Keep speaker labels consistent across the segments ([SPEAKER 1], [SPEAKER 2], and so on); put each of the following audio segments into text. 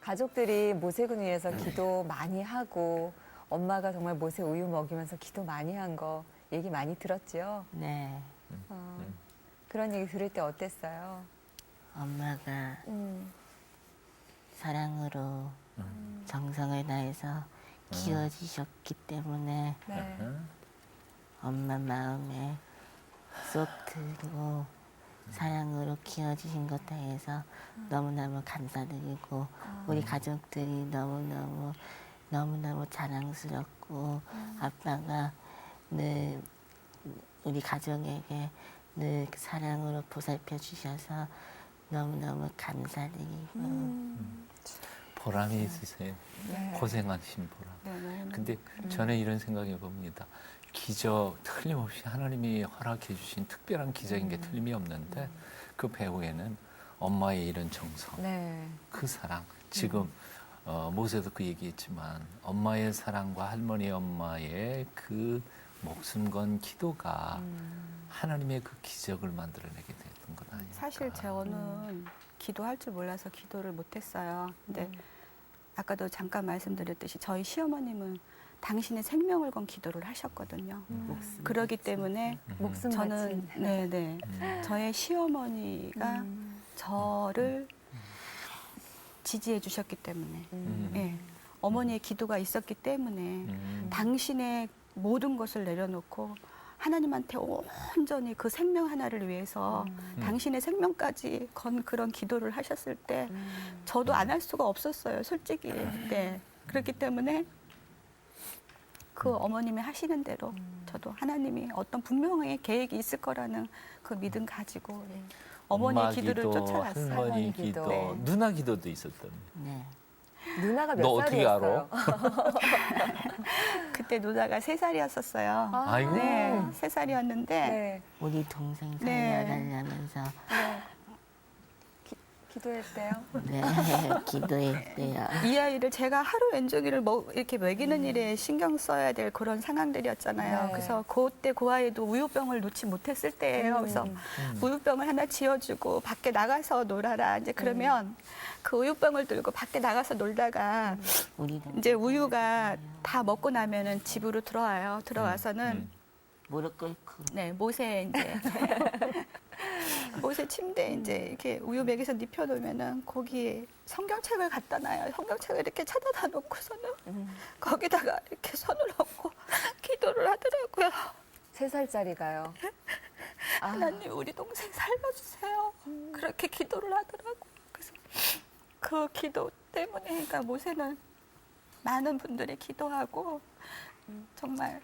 [SPEAKER 1] 가족들이 모세군 위해서 기도 많이 하고 엄마가 정말 모세 우유 먹이면서 기도 많이 한 거 얘기 많이 들었죠?
[SPEAKER 2] 네.
[SPEAKER 1] 그런 얘기 들을 때 어땠어요?
[SPEAKER 2] 엄마가 사랑으로 정성을 다해서 키워주셨기 때문에
[SPEAKER 1] 네.
[SPEAKER 2] 엄마 마음에 쏙 들고 사랑으로 키워주신 것 대해서 너무너무 감사드리고 우리 가족들이 너무너무 자랑스럽고 아빠가 늘 우리 가족에게 늘 사랑으로 보살펴 주셔서 너무너무 감사드리고
[SPEAKER 3] 보람이 있으세요.
[SPEAKER 1] 네.
[SPEAKER 3] 고생하신 보람.
[SPEAKER 4] 네.
[SPEAKER 3] 근데 저는 이런 생각해 봅니다. 기적, 틀림없이 하나님이 허락해 주신 특별한 기적인 게 틀림이 없는데 그 배후에는 엄마의 이런 정성,
[SPEAKER 1] 네.
[SPEAKER 3] 그 사랑. 지금 모세도 그 얘기했지만 엄마의 사랑과 할머니 엄마의 그 목숨 건 기도가 하나님의 그 기적을 만들어내게 됐던 건 아닐까.
[SPEAKER 4] 사실 저는 기도할 줄 몰라서 기도를 못했어요. 근데 아까도 잠깐 말씀드렸듯이 저희 시어머님은 당신의 생명을 건 기도를 하셨거든요. 그러기 때문에
[SPEAKER 1] 목숨
[SPEAKER 4] 저는
[SPEAKER 1] 바친.
[SPEAKER 4] 네네 저의 시어머니가 저를 지지해 주셨기 때문에 예, 어머니의 기도가 있었기 때문에 당신의 모든 것을 내려놓고 하나님한테 온전히 그 생명 하나를 위해서 당신의 생명까지 건 그런 기도를 하셨을 때 저도 안 할 수가 없었어요, 솔직히. 네. 그렇기 때문에 그 어머님이 하시는 대로 저도 하나님이 어떤 분명히 계획이 있을 거라는 그 믿음 가지고 예. 어머니의
[SPEAKER 3] 엄마
[SPEAKER 4] 기도를
[SPEAKER 3] 기도,
[SPEAKER 4] 쫓아갔어요.
[SPEAKER 3] 할머니
[SPEAKER 1] 할머니
[SPEAKER 3] 기도,
[SPEAKER 1] 기도. 네.
[SPEAKER 3] 누나 기도도 있었던.
[SPEAKER 2] 네.
[SPEAKER 1] 누나가 몇
[SPEAKER 3] 너 어떻게
[SPEAKER 1] 살이었어요?
[SPEAKER 4] 그때 누나가 3살이었었어요.
[SPEAKER 3] 아이고.
[SPEAKER 4] 네, 3살이었는데
[SPEAKER 1] 네.
[SPEAKER 2] 우리 동생
[SPEAKER 4] 네.
[SPEAKER 2] 살려달라면서
[SPEAKER 1] 네. 기도했대요?
[SPEAKER 2] 네, 기도했대요.
[SPEAKER 4] 이 아이를 제가 하루 왼종일을 이렇게 먹이는 일에 신경 써야 될 그런 상황들이었잖아요.
[SPEAKER 1] 네.
[SPEAKER 4] 그래서 그때 그 아이도 우유병을 놓지 못했을 때예요. 그래서 우유병을 하나 지어주고 밖에 나가서 놀아라. 이제 그러면 그 우유병을 들고 밖에 나가서 놀다가
[SPEAKER 2] 우리
[SPEAKER 4] 이제 우유가 다 먹고 나면은 집으로 들어와요. 들어와서는
[SPEAKER 2] 무릎 꿇고
[SPEAKER 4] 네, 모세 이제 모세 침대에 이제 이렇게 우유 먹여서 눕혀놓으면은 거기에 성경책을 갖다 놔요. 성경책을 이렇게 찾아다 놓고서는 거기다가 이렇게 손을 얹고 기도를 하더라고요.
[SPEAKER 1] 3살짜리가요.
[SPEAKER 4] 하나님 우리 동생 살려주세요. 그렇게 기도를 하더라고요. 그래서 그 기도 때문에 그러니까 모세는 많은 분들이 기도하고 정말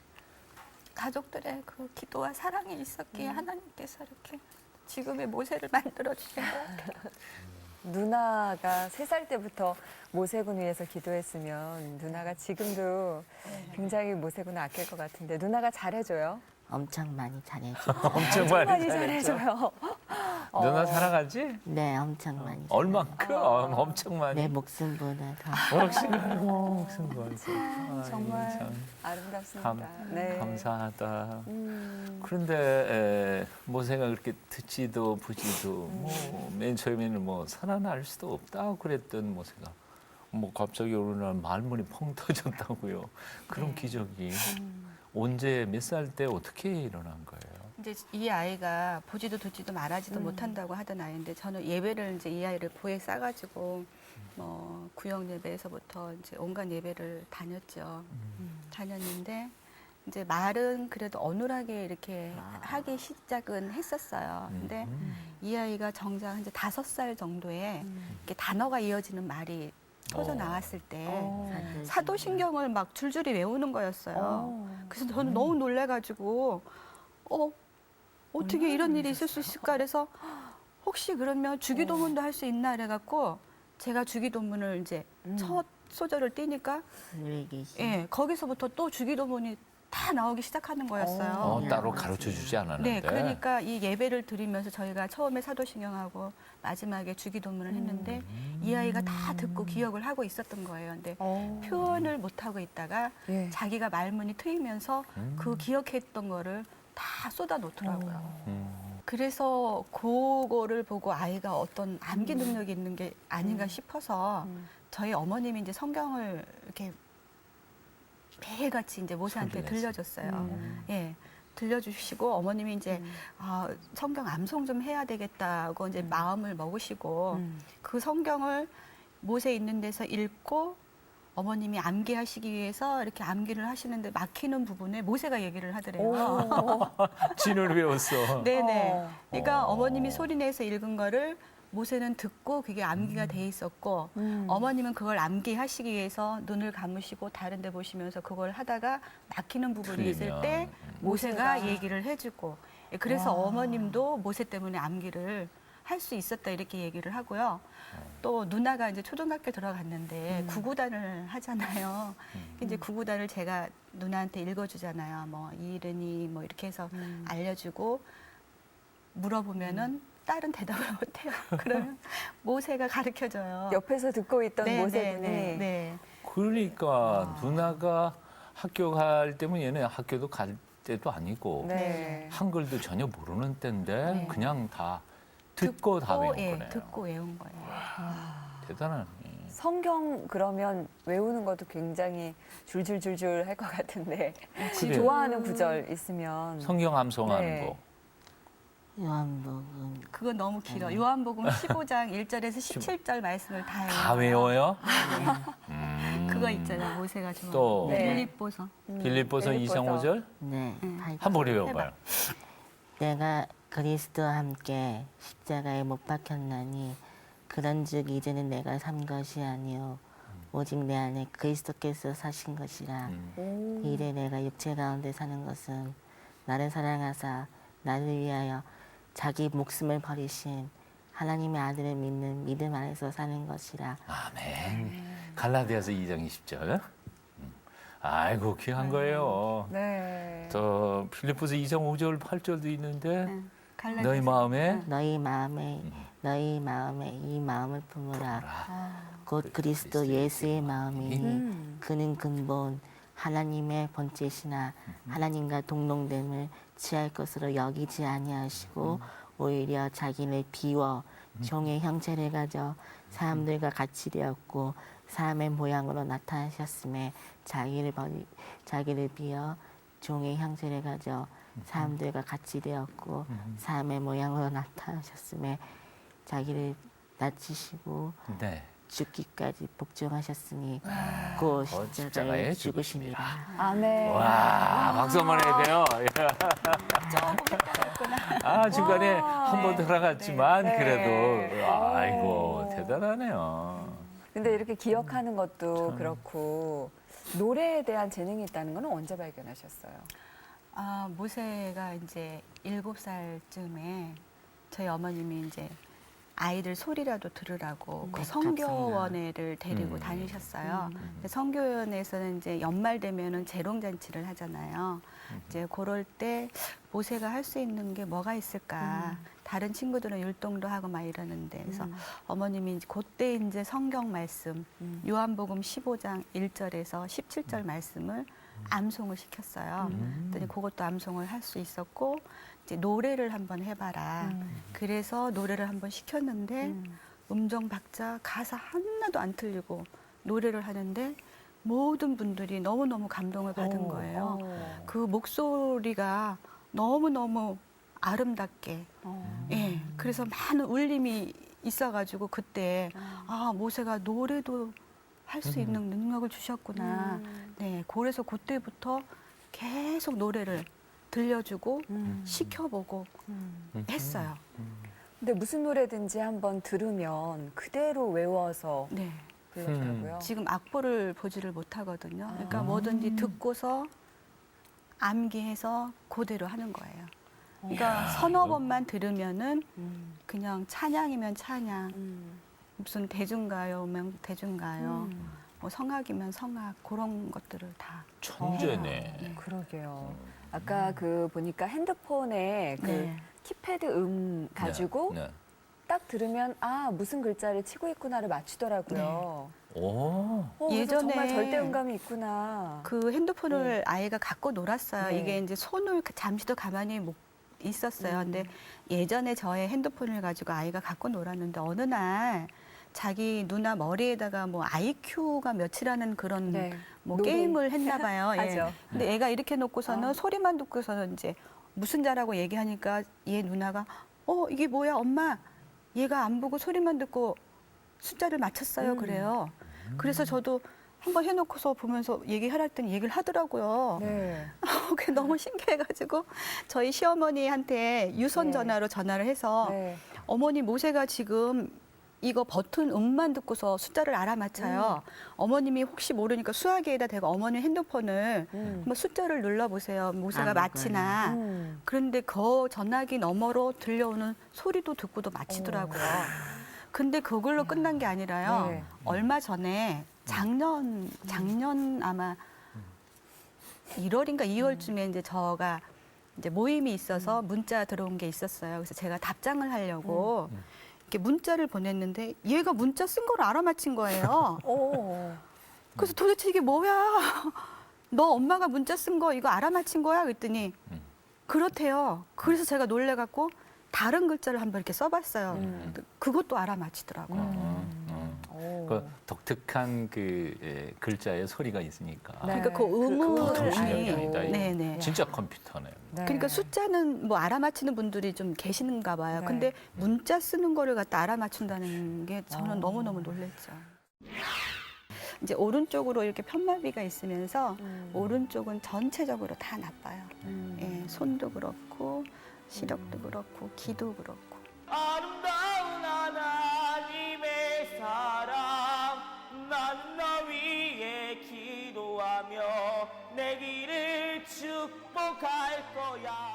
[SPEAKER 4] 가족들의 그 기도와 사랑이 있었기에 하나님께서 이렇게 지금의 모세를 만들어 주신 것 같아요.
[SPEAKER 1] 누나가 3살 때부터 모세군 위해서 기도했으면 누나가 지금도 굉장히 모세군을 아낄 것 같은데 누나가 잘해줘요?
[SPEAKER 2] 엄청 많이 잘해줘.
[SPEAKER 3] 엄청
[SPEAKER 1] 많이
[SPEAKER 3] 많이 잘했죠.
[SPEAKER 1] 잘해줘요.
[SPEAKER 3] 누나 사랑하지?
[SPEAKER 2] 네, 엄청 많이.
[SPEAKER 3] 얼만큼? 엄청 많이.
[SPEAKER 2] 내 목숨보다 더.
[SPEAKER 3] 목숨
[SPEAKER 1] 정말
[SPEAKER 3] 참
[SPEAKER 1] 아름답습니다. 네.
[SPEAKER 3] 감사하다. 그런데 모세가 그렇게 듣지도 보지도 맨 처음에는 뭐 살아날 수도 없다 그랬던 모세가 뭐 갑자기 어느 날 말문이 펑 터졌다고요. 그런 기적이 언제 몇 살 때 어떻게 일어난 거예요?
[SPEAKER 4] 이제 이 아이가 보지도 듣지도 말하지도 못한다고 하던 아이인데 저는 예배를 이제 이 아이를 보에 싸가지고 뭐 구역 예배에서부터 이제 온갖 예배를 다녔죠. 다녔는데 이제 말은 그래도 어눌하게 이렇게 하기 시작은 했었어요. 근데 이 아이가 정작 이제 5살 정도에 이렇게 단어가 이어지는 말이 터져 나왔을 때 사도신경을 막 줄줄이 외우는 거였어요. 그래서 저는 너무 놀래가지고 어떻게 이런 일이 있을 수 있을까 그래서 혹시 그러면 주기도문도 할 수 있나 그래갖고 제가 주기도문을 이제 첫 소절을 띄니까
[SPEAKER 2] 하늘에 계신
[SPEAKER 4] 예 거기서부터 또 주기도문이 다 나오기 시작하는 거였어요.
[SPEAKER 3] 따로 가르쳐 주지 않았는데.
[SPEAKER 4] 네, 그러니까 이 예배를 드리면서 저희가 처음에 사도신경하고 마지막에 주기도문을 했는데 이 아이가 다 듣고 기억을 하고 있었던 거예요. 근데 표현을 못 하고 있다가
[SPEAKER 1] 예.
[SPEAKER 4] 자기가 말문이 트이면서 그 기억했던 거를 다 쏟아 놓더라고요. 그래서 그거를 보고 아이가 어떤 암기 능력이 있는 게 아닌가 싶어서 저희 어머님이 이제 성경을 이렇게 매일같이 이제 모세한테
[SPEAKER 3] 소리내서.
[SPEAKER 4] 들려줬어요. 예. 들려주시고 어머님이 이제 성경 암송 좀 해야 되겠다고 이제 마음을 먹으시고 그 성경을 모세 있는 데서 읽고 어머님이 암기하시기 위해서 이렇게 암기를 하시는데 막히는 부분에 모세가 얘기를 하더래요.
[SPEAKER 3] 진을 외웠어.
[SPEAKER 4] 네네.
[SPEAKER 1] 어.
[SPEAKER 4] 그러니까 어머님이 소리내서 읽은 거를 모세는 듣고 그게 암기가 돼 있었고 어머님은 그걸 암기하시기 위해서 눈을 감으시고 다른 데 보시면서 그걸 하다가 막히는 부분이 있을
[SPEAKER 3] 틀리면.
[SPEAKER 4] 때 모세가 얘기를 해주고 그래서
[SPEAKER 1] 와.
[SPEAKER 4] 어머님도 모세 때문에 암기를 할 수 있었다 이렇게 얘기를 하고요. 또 누나가 이제 초등학교 들어갔는데 구구단을 하잖아요. 이제 구구단을 제가 누나한테 읽어주잖아요. 뭐 이른이 뭐 이렇게 해서 알려주고 물어보면은 딸은 대답을 못해요. 그러면 모세가 가르쳐줘요.
[SPEAKER 1] 옆에서 듣고 있던
[SPEAKER 4] 네,
[SPEAKER 1] 모세군이
[SPEAKER 4] 네, 네.
[SPEAKER 3] 그러니까 누나가 학교 갈 때면 얘는 학교도 갈 때도 아니고
[SPEAKER 1] 네.
[SPEAKER 3] 한글도 전혀 모르는 때인데
[SPEAKER 4] 네.
[SPEAKER 3] 그냥 다 듣고 다 외운
[SPEAKER 4] 예,
[SPEAKER 3] 거네요.
[SPEAKER 4] 듣고 외운 거예요.
[SPEAKER 3] 대단하네.
[SPEAKER 1] 성경 그러면 외우는 것도 굉장히 줄줄줄줄 할 것 같은데
[SPEAKER 3] 그래요.
[SPEAKER 1] 좋아하는 구절 있으면
[SPEAKER 3] 성경 암송하는
[SPEAKER 1] 네.
[SPEAKER 3] 거.
[SPEAKER 2] 요한복음
[SPEAKER 4] 그건 너무 길어. 요한복음 15장 1절에서 17절 말씀을 다 외워요.
[SPEAKER 3] 다 외워요?
[SPEAKER 4] 그거 있잖아요. 모세가 좋아하는.
[SPEAKER 3] 또
[SPEAKER 1] 네.
[SPEAKER 4] 빌립보서.
[SPEAKER 3] 빌립보서 2장 5절
[SPEAKER 2] 네,
[SPEAKER 3] 한번 외워봐요.
[SPEAKER 2] 내가 그리스도와 함께 십자가에 못 박혔나니 그런즉 이제는 내가 산 것이 아니요 오직 내 안에 그리스도께서 사신 것이라. 이래 내가 육체 가운데 사는 것은 나를 사랑하사 나를 위하여 자기 목숨을 버리신 하나님의 아들을 믿는 믿음 안에서 사는 것이라.
[SPEAKER 3] 아멘. 갈라디아서 2장 20절. 아이고 귀한 거예요.
[SPEAKER 1] 네.
[SPEAKER 3] 저 필리포스 2장 5절 8절도 있는데
[SPEAKER 4] 갈라디아서.
[SPEAKER 3] 너희 마음에
[SPEAKER 2] 너희 마음에 이 마음을 품으라. 곧 그리스도 예수의 마음이니 그는 근본 하나님의 본체시나 하나님과 동등됨을 취할 것으로 여기지 아니하시고 오히려 자기를 비워 종의 형체를 가져 사람들과 같이 되었고 사람의 모양으로 나타나셨음에 자기를 비워 종의 형체를 가져 사람들과 같이 되었고 사람의 모양으로 나타나셨음에 자기를 낮추시고
[SPEAKER 3] 네.
[SPEAKER 2] 죽기까지 복종하셨으니 그 십자가에 죽으시니라.
[SPEAKER 1] 아멘.
[SPEAKER 3] 와 박수 한번 해야 돼요. 아 중간에 한 번 들어갔지만
[SPEAKER 1] 네.
[SPEAKER 3] 그래도 아이고 대단하네요.
[SPEAKER 1] 근데 이렇게 기억하는 것도 그렇고 노래에 대한 재능이 있다는 건 언제 발견하셨어요?
[SPEAKER 4] 모세가 이제 7살쯤에 저희 어머님이 이제 아이들 소리라도 들으라고 그 성교원회를 데리고 다니셨어요. 근데 성교원에서는 이제 연말 되면은 재롱잔치를 하잖아요. 이제 그럴 때 모세가 할 수 있는 게 뭐가 있을까? 다른 친구들은 율동도 하고 막 이러는데 그래서 어머님이 이제 그때 이제 성경 말씀 요한복음 15장 1절에서 17절 말씀을 암송을 시켰어요. 그랬더니 그것도 암송을 할 수 있었고 이제 노래를 한번 해봐라. 그래서 노래를 한번 시켰는데 음정 박자 가사 하나도 안 틀리고 노래를 하는데 모든 분들이 너무너무 감동을 받은 거예요. 그 목소리가 너무너무 아름답게 예, 그래서 많은 울림이 있어가지고 그때 모세가 노래도 할 수 있는 능력을 주셨구나. 네, 그래서 그때부터 계속 노래를 들려주고 시켜보고 했어요.
[SPEAKER 1] 근데 무슨 노래든지 한번 들으면 그대로 외워서
[SPEAKER 4] 네,
[SPEAKER 1] 불러더라고요.
[SPEAKER 4] 지금 악보를 보지를 못하거든요. 그러니까 뭐든지 듣고서 암기해서 그대로 하는 거예요. 그러니까 서너 번만 들으면은 그냥 찬양이면 찬양, 무슨 대중가요면 대중가요, 뭐 성악이면 성악 그런 것들을 다.
[SPEAKER 3] 천재네.
[SPEAKER 1] 그러게요. 아까 그 보니까 핸드폰에 그
[SPEAKER 4] 네.
[SPEAKER 1] 키패드 가지고
[SPEAKER 3] 네.
[SPEAKER 1] 딱 들으면 무슨 글자를 치고 있구나를 맞추더라고요.
[SPEAKER 3] 오.
[SPEAKER 1] 그래서
[SPEAKER 4] 예전에
[SPEAKER 1] 정말 절대음감이 있구나.
[SPEAKER 4] 그 핸드폰을 아이가 갖고 놀았어요.
[SPEAKER 1] 네.
[SPEAKER 4] 이게 이제 손을 잠시도 가만히 못 있었어요. 근데 예전에 저의 핸드폰을 가지고 아이가 갖고 놀았는데 어느 날 자기 누나 머리에다가 뭐 IQ가 몇이라는 그런
[SPEAKER 1] 네.
[SPEAKER 4] 뭐
[SPEAKER 1] 노래.
[SPEAKER 4] 게임을 했나 봐요. 예.
[SPEAKER 1] 하죠.
[SPEAKER 4] 근데 애가 이렇게 놓고서는 소리만 듣고서는 이제 무슨 자라고 얘기하니까 얘 누나가 이게 뭐야 엄마 얘가 안 보고 소리만 듣고 숫자를 맞췄어요 그래요. 그래서 저도 한번 해놓고서 보면서 얘기하라 했더니 얘기를 하더라고요.
[SPEAKER 1] 네.
[SPEAKER 4] 그게 너무 신기해가지고 저희 시어머니한테 유선
[SPEAKER 1] 네.
[SPEAKER 4] 전화로 전화를 해서
[SPEAKER 1] 네.
[SPEAKER 4] 어머니 모세가 지금 이거 버튼 음만 듣고서 숫자를 알아맞혀요. 어머님이 혹시 모르니까 수화기에다 대고 어머니 핸드폰을 한번 숫자를 눌러보세요. 모세가
[SPEAKER 2] 아무거나.
[SPEAKER 4] 맞히나. 그런데 그 전화기 너머로 들려오는 소리도 듣고도 맞히더라고요. 근데 그걸로 끝난 게 아니라요.
[SPEAKER 1] 네.
[SPEAKER 4] 얼마 전에 작년 아마 1월인가 2월쯤에 이제 저가 이제 모임이 있어서 문자 들어온 게 있었어요. 그래서 제가 답장을 하려고 이렇게 문자를 보냈는데 얘가 문자 쓴 걸 알아맞힌 거예요.
[SPEAKER 1] 오.
[SPEAKER 4] 그래서 도대체 이게 뭐야? 너 엄마가 문자 쓴 거 이거 알아맞힌 거야? 그랬더니 그렇대요. 그래서 제가 놀래갖고 다른 글자를 한번 이렇게 써봤어요. 그것도 알아맞히더라고요.
[SPEAKER 1] 오.
[SPEAKER 3] 그 독특한 그 글자의 소리가 있으니까.
[SPEAKER 1] 네.
[SPEAKER 4] 그러니까 그
[SPEAKER 3] 더
[SPEAKER 4] 음을
[SPEAKER 3] 신기합니다. 이거.
[SPEAKER 4] 네네.
[SPEAKER 3] 진짜 컴퓨터네요.
[SPEAKER 1] 네.
[SPEAKER 4] 그러니까 숫자는 뭐 알아맞히는 분들이 좀 계시는가 봐요.
[SPEAKER 1] 네.
[SPEAKER 4] 근데 문자 쓰는 거를 갖다 알아맞춘다는 게 저는 너무너무 놀랬죠. 이제 오른쪽으로 이렇게 편마비가 있으면서 오른쪽은 전체적으로 다 나빠요. 예, 손도 그렇고 시력도 그렇고 귀도 그렇고.
[SPEAKER 5] 아름다운 하나님의 사랑 나는 너 위에 기도하며 내 길을 축복할 거야.